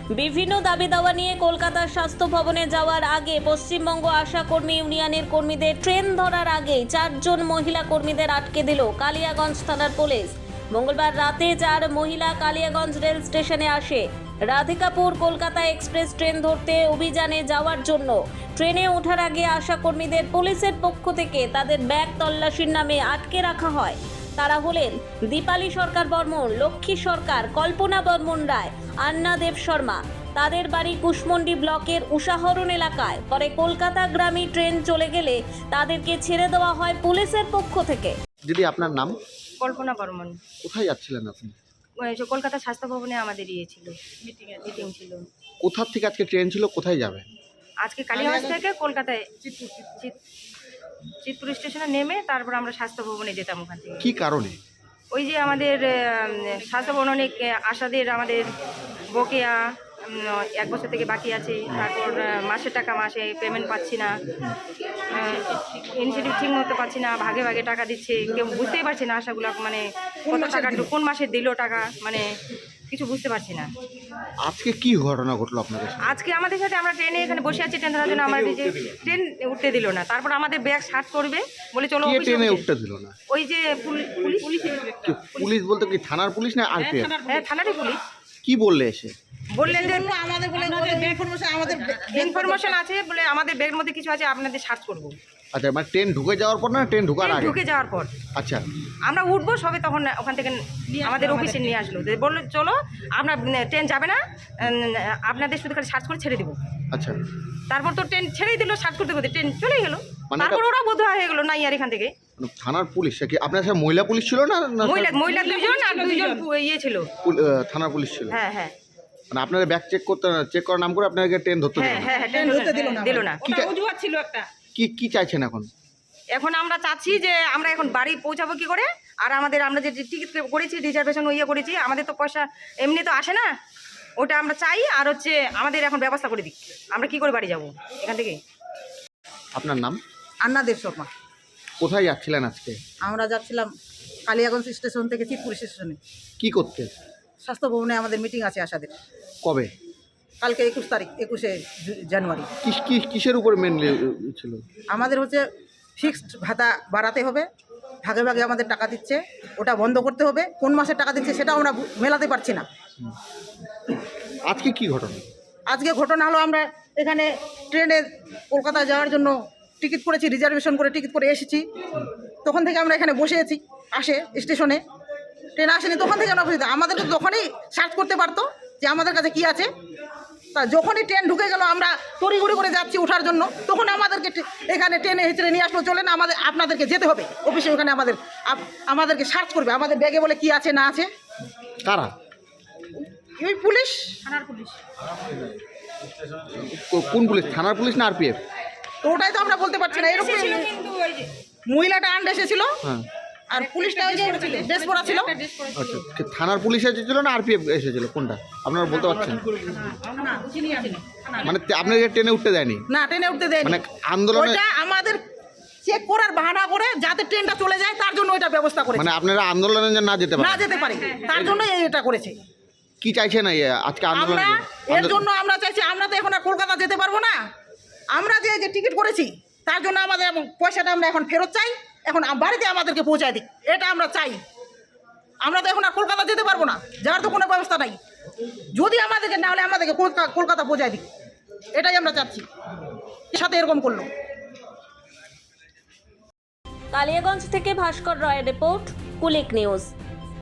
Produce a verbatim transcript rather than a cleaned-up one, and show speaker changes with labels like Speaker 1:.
Speaker 1: বিভিন্ন দাবি দাওয়া নিয়ে কলকাতার স্বাস্থ্য ভবনে যাওয়ার আগে পশ্চিমবঙ্গ আশা কর্মী ইউনিয়নের কর্মীদের ট্রেন ধরার আগেই চারজন মহিলা কর্মীদের আটকে দিল কালিয়াগঞ্জ থানার পুলিশ। মঙ্গলবার রাতে চার মহিলা কালিয়াগঞ্জ রেল স্টেশনে আসে রাধিকাপুর কলকাতা এক্সপ্রেস ট্রেন ধরতে অভিযানে যাওয়ার জন্য। ট্রেনে ওঠার আগে আশা কর্মীদের পুলিশের পক্ষ থেকে তাদের ব্যাগ তল্লাশির নামে আটকে রাখা হয়। তারা হলেন দীপালি সরকার বর্মন, লক্ষ্মী সরকার, কল্পনা বর্মন রায়, আন্না দেব শর্মা। তাদের বাড়ি কুশমন্ডি ব্লকের উষাহরণ এলাকায়। পরে কলকাতা গ্রামী ট্রেন চলে গেলে তাদেরকে ছেড়ে দেওয়া হয় পুলিশের পক্ষ থেকে।
Speaker 2: দিদি, আপনার নাম?
Speaker 3: কল্পনা বর্মন।
Speaker 2: কোথায় যাচ্ছিলেন আপনি?
Speaker 3: ওই যে কলকাতা স্বাস্থ্য ভবনে আমাদের ইয়ে ছিল, মিটিং ছিল।
Speaker 2: কোথা থেকে আজকে ট্রেন ছিল, কোথায় যাবে?
Speaker 3: আজকে কালীগঞ্জ থেকে কলকাতায় চিতপুর স্টেশনে নেমে তারপর আমরা স্বাস্থ্য ভবনে যেতাম ওখান থেকে।
Speaker 2: কি কারণে?
Speaker 3: ওই যে আমাদের স্বাস্থ্য ভবনে অনেক আশাদের আমাদের বকেয়া এক বছর থেকে বাকি আছে। তারপর মাসের টাকা মাসে পেমেন্ট পাচ্ছি না, ইনিশিয়েটিভ ঠিক মতো পাচ্ছি না, ভাগে ভাগে টাকা দিচ্ছে, কেউ বুঝতেই পারছি না আশাগুলো মানে কত টাকা কোন মাসে দিল টাকা, মানে কিছু বুঝতে পারছি না।
Speaker 2: আজকে কি ঘটনা ঘটলো আপনাদের?
Speaker 3: আজকে আমাদের সাথে আমরা ট্রেনে এখানে বসে আছি ট্রেন ধরার জন্য, আমাদের যে ট্রেন উঠতে দিল না। তারপর আমাদের ব্যাগ সার্চ করবে বলে চলো
Speaker 2: ট্রেনে উঠতে দিল না।
Speaker 3: ওই যে পুলিশ
Speaker 2: পুলিশ বলতে কি থানার পুলিশ না আরপিএফ?
Speaker 3: হ্যাঁ, থানারই পুলিশ।
Speaker 2: কি বললে এসে?
Speaker 3: বললেন যে আমাদের ইনফরমেশন আছে বলে আমাদের ব্যাগের মধ্যে কিছু আছে, আপনাদের সার্চ করবো।
Speaker 2: আচ্ছা, মানে ট্রেন ঢুকে যাওয়ার পর না ট্রেন ঢুকার আগে?
Speaker 3: ঢুকে যাওয়ার পর।
Speaker 2: আচ্ছা,
Speaker 3: আমরা উঠবো সবে তখন ওখান থেকে আমাদের অফিসে নিয়ে আসলো, বললো চলো আপনার ট্রেন যাবে না, আপনাদের শুধু খালি সার্চ করে ছেড়ে দেবো।
Speaker 2: আচ্ছা,
Speaker 3: তারপর তো ট্রেন ছেড়েই দিল, সার্চ করতে করতে ট্রেন চলেই গেলো। তারপর ওরা বোধ হয়ে গেলো না আর এখান থেকে।
Speaker 2: থানার পুলিশ কি আপনার সাথে মহিলা পুলিশ ছিল না?
Speaker 3: মহিলা মহিলা দুজন আর দুজন ইয়ে ছিল,
Speaker 2: থানার পুলিশ ছিল।
Speaker 3: হ্যাঁ হ্যাঁ,
Speaker 2: মানে আপনাদের ব্যাগ চেক করতে চেক করার নাম করে আপনাদেরকে ট্রেন ধরতে দিল?
Speaker 3: হ্যাঁ হ্যাঁ, ট্রেন ধরতে দিল না দিল না।
Speaker 4: অজুহাত ছিল একটা।
Speaker 2: কি কি চাইছেন এখন?
Speaker 3: এখন আমরা চাচ্ছি যে আমরা এখন বাড়ি পৌঁছাবো কি করে, আর আমাদের আমরা যে টিকিট করেছি রিজার্ভেশন ইয়ে করেছি, আমাদের তো পয়সা এমনি তো আসে না, ওটা আমরা চাই। আর হচ্ছে আমাদের এখন ব্যবস্থা করে দিক, আমরা কি করে বাড়ি যাব এখান থেকে।
Speaker 2: আপনার নাম?
Speaker 4: আন্না দেব শর্মা।
Speaker 2: কোথায় যাচ্ছিলেন আজকে?
Speaker 4: আমরা যাচ্ছিলাম কালিয়াগঞ্জ স্টেশন থেকে চিতপুর স্টেশনে।
Speaker 2: কি করতে?
Speaker 4: স্বাস্থ্য ভবনে আমাদের মিটিং আছে আশাদের।
Speaker 2: কবে?
Speaker 4: কালকে একুশ তারিখ, একুশে জানুয়ারি।
Speaker 2: কিস কিস কিসের উপর মেনলি ছিল?
Speaker 4: আমাদের হচ্ছে ফিক্সড ভাতা বাড়াতে হবে, ভাগে ভাগে আমাদের টাকা দিচ্ছে, ওটা বন্ধ করতে হবে। কোন মাসে টাকা দিচ্ছে সেটা আমরা মেলাতে পারছি না।
Speaker 2: আজকে কি ঘটনা?
Speaker 4: আজকে ঘটনা হলো আমরা এখানে ট্রেনে কলকাতা যাওয়ার জন্য টিকিট করেছি, রিজার্ভেশন করে টিকিট করে এসেছি। তখন থেকে আমরা এখানে বসে আছি, আসে স্টেশনে ট্রেন আসেনি, তখন থেকে আমরা বসে। আমাদের তো তখনই সার্চ করতে পারতো যে আমাদের কাছে কি আছে। তা যখনই ট্রেন ঢুকে গেল আমরা তড়িঘড়ি করে যাচ্ছি ওঠার জন্য, তখন আমাদেরকে এখানে ট্রেনে হেঁচড়ে নিয়ে আসলো, চলে না আমাদের আপনাদেরকে যেতে হবে অফিসে, ওখানে আমাদের আমাদেরকে সার্চ করবে আমাদের ব্যাগে বলে কি আছে না আছে।
Speaker 2: কারা?
Speaker 4: ওই পুলিশ,
Speaker 3: থানার পুলিশ।
Speaker 2: কোন পুলিশ? থানার পুলিশ না আরপিএফ?
Speaker 4: তো ওটাই তো আমরা বলতে পারছি না। এরকম মহিলাটা আন্ড এসেছিল,
Speaker 2: হ্যাঁ,
Speaker 4: আর পুলিশটা ওই যে ড্রেস পরা ছিল।
Speaker 2: আচ্ছা, থানার পুলিশ এসেছিল না আরপিএফ এসেছিল, কোনটা আপনারা বলতে পারছেন? মানে আপনাদের ট্রেনে উঠতে দেয়নি?
Speaker 4: না, ট্রেনে উঠতে দেয়নি।
Speaker 2: মানে আন্দোলনে
Speaker 4: ওটা আমাদের চেক করার বাহানা করে যাতে ট্রেনটা চলে যায় তার জন্য ওইটা ব্যবস্থা করেছে।
Speaker 2: মানে আপনারা আন্দোলনে না যেতে
Speaker 4: না
Speaker 2: পারেন?
Speaker 4: যেতে পারে, তার জন্য এটা করেছে।
Speaker 2: কি চাইছেন আজকে আন্দোলনে?
Speaker 4: আমরা এর জন্য আমরা চাইছি, আমরা তো এখন আর কলকাতা যেতে পারবো না। আমরা যে যে টিকিট করেছি তার জন্য আমাদের পয়সাটা আমরা এখন ফেরত চাই, এখন বাড়িতে আমাদেরকে পৌঁছায় দিক, এটা আমরা চাই। আমরা তো এখন আর কলকাতা যেতে পারবো না, যাওয়ার তো কোনো ব্যবস্থা নাই। যদি আমাদেরকে না হলে আমাদেরকে কলকাতা পৌঁছায় দিক, এটাই আমরা চাচ্ছি। এর সাথে এরকম করলো।
Speaker 1: কালিয়াগঞ্জ থেকে ভাস্কর রয়ের রিপোর্ট, কুলিক নিউজ।